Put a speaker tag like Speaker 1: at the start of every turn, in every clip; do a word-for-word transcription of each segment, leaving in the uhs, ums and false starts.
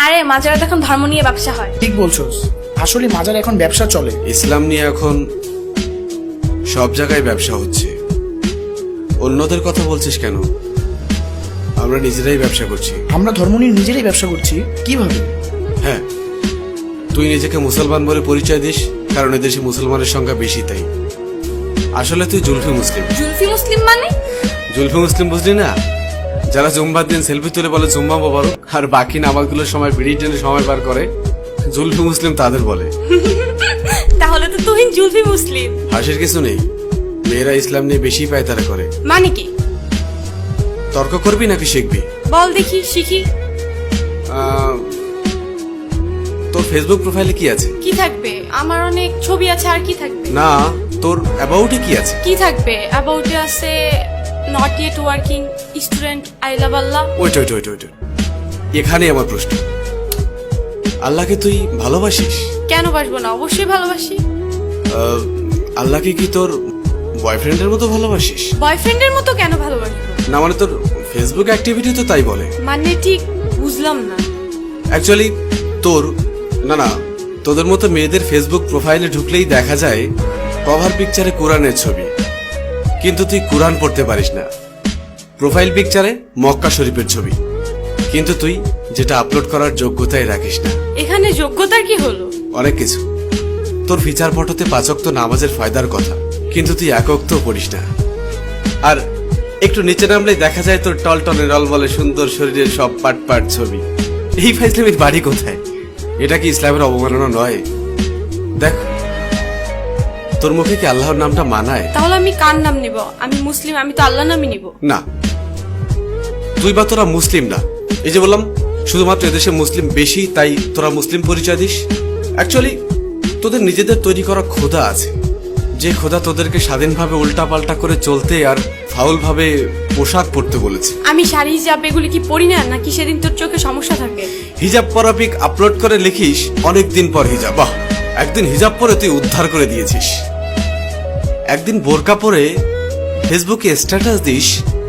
Speaker 1: আরে মাজারে এখন ধর্ম নিয়ে ব্যবসা হয়।
Speaker 2: ঠিক বলছোস, আসলে মাজার এখন ব্যবসা চলে।
Speaker 3: ইসলাম নিয়ে এখন সব জায়গায় ব্যবসা হচ্ছে। অন্যদের কথা বলছিস কেন? আমরা নিজেরাই ব্যবসা করছি।
Speaker 2: আমরা ধর্ম নিয়ে নিজেরাই ব্যবসা করছি? কিভাবে?
Speaker 3: হ্যাঁ, তুই নিজেকে মুসলমান বলে পরিচয় দিস কারণ এদেশে মুসলমানের সংখ্যা বেশি, তাই। আসলে তুই জুলফি মুসলিম।
Speaker 1: জুলফি মুসলিম মানে?
Speaker 3: জুলফি মুসলিম বুঝলি না? যারা জুম্বার দিন সেলফি তুলে বলে জুম্মা মোবারক, আর বাকি নামাজগুলোর সময় বিড়ির জন্য সময় পার করে, জুলফি মুসলিম তাদের বলে।
Speaker 1: তাহলে তো তুহিন জুলফি মুসলিম।
Speaker 3: হাসির কিছু নেই, মেয়েরা ইসলাম নিয়ে বেশি পায়তারা করে।
Speaker 1: মানে কি?
Speaker 3: তর্ক করবি নাকি শিখবি?
Speaker 1: বল দেখি, শিখি।
Speaker 3: আহ, তোর ফেসবুক প্রোফাইলে কি আছে?
Speaker 1: কি থাকবে? আমার অনেক ছবি আছে, আর কি থাকবে?
Speaker 3: না, তোর অ্যাবাউটে কি আছে?
Speaker 1: কি থাকবে? অ্যাবাউটে আছে not yet working student, I love Allah.
Speaker 3: Wait wait wait wait এখানে আমার প্রশ্ন, আল্লাহকে তুই ভালোবাসিস?
Speaker 1: কেন বাসবো না, অবশ্যই ভালোবাসি।
Speaker 3: আহ, আল্লাহকে কি তোর বয়ফ্রেন্ডের মতো ভালোবাসিস?
Speaker 1: বয়ফ্রেন্ডের মতো কেন ভালোবাসবো?
Speaker 3: না মানে তোর ফেসবুক অ্যাক্টিভিটি তো তাই বলে।
Speaker 1: মানে ঠিক বুঝলাম না।
Speaker 3: অ্যাকচুয়ালি তোর, না না, তোদের মতো মেয়েদের ফেসবুক প্রোফাইলে ঢুকলেই দেখা যায় কভার পিকচারে কোরআনের ছবি, কিন্তু তুই কোরআন পড়তে পারিস না। প্রোফাইল পিকচারে মক্কা শরীফের ছবি, কিন্তু তুই যেটা আপলোড করার যোগ্যতাই রাখিস না।
Speaker 1: এখানে যোগ্যতার কি হলো?
Speaker 3: অনেক কিছু। তোর ফিচার ফটোতে পাঁচক্ত নামাজের ফায়দার কথা, কিন্তু তুই একক্ত পড়িস না। আর একটু নিচে নামলেই দেখা যায় তোর টলটনে রল বলে সুন্দর শরীরের সব পাট পাট ছবি। এই ফাইজলামের বাড়ি কোথায়? এটা কি ইসলামের অবমাননা নয়? দেখ, তোর মুখে কি আল্লাহর নামটা মানায়?
Speaker 1: তাহলে আমি কার নাম নিব? আমি মুসলিম, আমি তো আল্লাহ নামই নিব।
Speaker 3: না, তুই বা তোরা মুসলিম না। এই যে বললাম শুধুমাত্র এদেশে মুসলিম বেশি তাই তোরা মুসলিম পরিচয় দিস। অ্যাকচুয়ালি তোদের নিজেদের তৈরি করা খোদা আছে, যে খোদা তোদেরকে স্বাধীনভাবে উল্টা পাল্টা করে চলতে আর ফাউল ভাবে পোশাক পরতে বলেছে।
Speaker 1: আমি শাড়ি হিজাব এগুলি কি পরি না, নাকি সেদিন তোর চোখে সমস্যা থাকে?
Speaker 3: হিজাব পরা পিক আপলোড করে লিখিস অনেকদিন পর হিজাব। বাহ, একদিন হিজাব পরে তুই উদ্ধার করে দিয়েছিস। একদিন বোরকা পরে ফেসবুকে স্ট্যাটাস দিস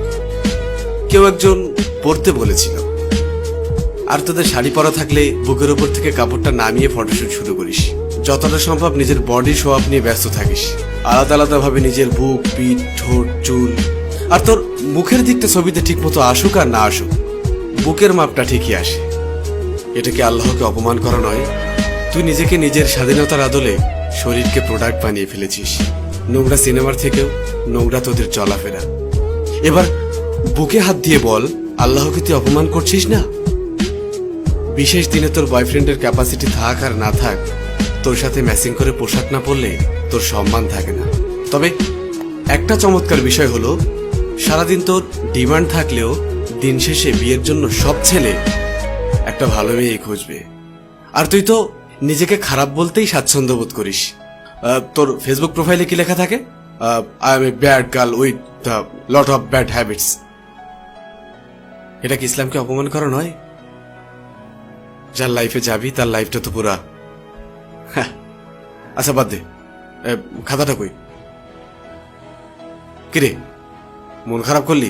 Speaker 3: কেউ একজন পড়তে বলেছিল। আর তোদের শাড়ি পরা থাকলে বুকের উপর থেকে কাপড়টা নামিয়ে ফটোশুট শুরু করিস। যতটা সম্ভব নিজের বডি শো আপ নিয়ে ব্যস্ত থাকিস, আলাদা আলাদা ভাবে নিজের বুক, পিঠ, ঠোঁট, চুল। আর তোর মুখের দিকটা ছবিতে ঠিক মতো আসুক আর না আসুক, বুকের মাপটা ঠিকই আসে। এটা কি আল্লাহকে অপমান করা নয়? তুই নিজেকে নিজের স্বাধীনতার আদলে শরীরকে প্রোডাক্ট বানিয়ে ফেলেছিস। নোংরা সিনেমার থেকেও নোংরা তোদের চলাফেরা। এবার বুকে হাত দিয়ে বল, আল্লাহকে তুই অপমান করছিস না? বিশেষ দিনে তোর বয়ফ্রেন্ডের ক্যাপাসিটি থাক আর না থাক, তোর সাথে ম্যাচিং করে পোশাক না পরলে তোর সম্মান থাকে না। তবে একটা চমৎকার বিষয় হলো, সারাদিন তোর ডিমান্ড থাকলেও দিন শেষে বিয়ের জন্য সব ছেলে একটা ভালো মেয়ে খুঁজবে। আর তুই তো নিজেকে খারাপ বলতেই স্বাচ্ছন্দ্য বোধ করিস। আহ, তোর ফেসবুক প্রোফাইলে কি লেখা থাকে? I am a bad girl with the lot of bad habits. এটা কি ইসলামকে অপমান করা নয়? যার লাইফে যাবি তার লাইফটা তো পুরা। হ্যাঁ, আচ্ছা বাদ দে, এ, খাতাটা কই? কিরে, মন খারাপ করলি?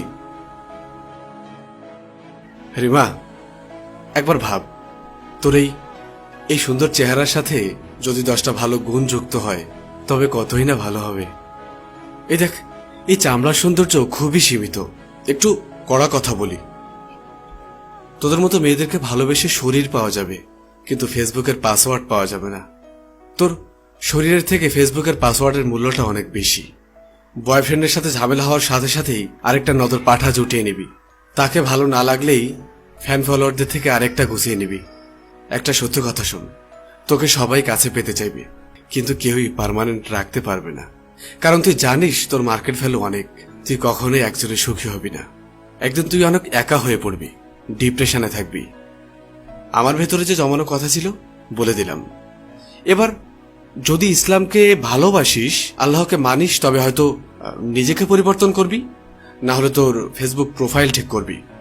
Speaker 3: রিমা, একবার ভাব, তোর এই এই সুন্দর চেহারার সাথে যদি দশটা ভালো গুণ যুক্ত হয় তবে কতই না ভালো হবে। এই দেখ, এই চামড়ার সৌন্দর্য খুবই সীমিত। একটু কড়া কথা বলি, তোদের মতো মেয়েদেরকে ভালোবেসে শরীর পাওয়া যাবে, কিন্তু ফেসবুকের পাসওয়ার্ড পাওয়া যাবে না। তোর শরীরের থেকে ফেসবুকের পাসওয়ার্ডের মূল্যটা অনেক বেশি। বয়ফ্রেন্ডের সাথে ঝামেলা হওয়ার সাথে সাথেই আরেকটা নজর পাঠা জুটিয়ে নিবি। তাকে ভালো না লাগলেই ফ্যান ফলোয়ারদের থেকে আরেকটা গুছিয়ে নিবি। একটা সত্য কথা শোন, তোকে সবাই কাছে পেতে চাইবে, কিন্তু কেউই পার্মানেন্ট রাখতে পারবে না। কারণ তুই জানিস তোর মার্কেট ভ্যালু অনেক। তুই কখনোই একজনে সুখী হবি না। একদিন তুই অনেক একা হয়ে পড়বি, ডিপ্রেশনে থাকবি। আমার ভেতরে যে জমানো কথা ছিল বলে দিলাম। এবার যদি ইসলামকে ভালোবাসিস, আল্লাহকে মানিস, তবে হয়তো নিজেকে পরিবর্তন করবি, না হলে তোর ফেসবুক প্রোফাইল ঠিক করবি।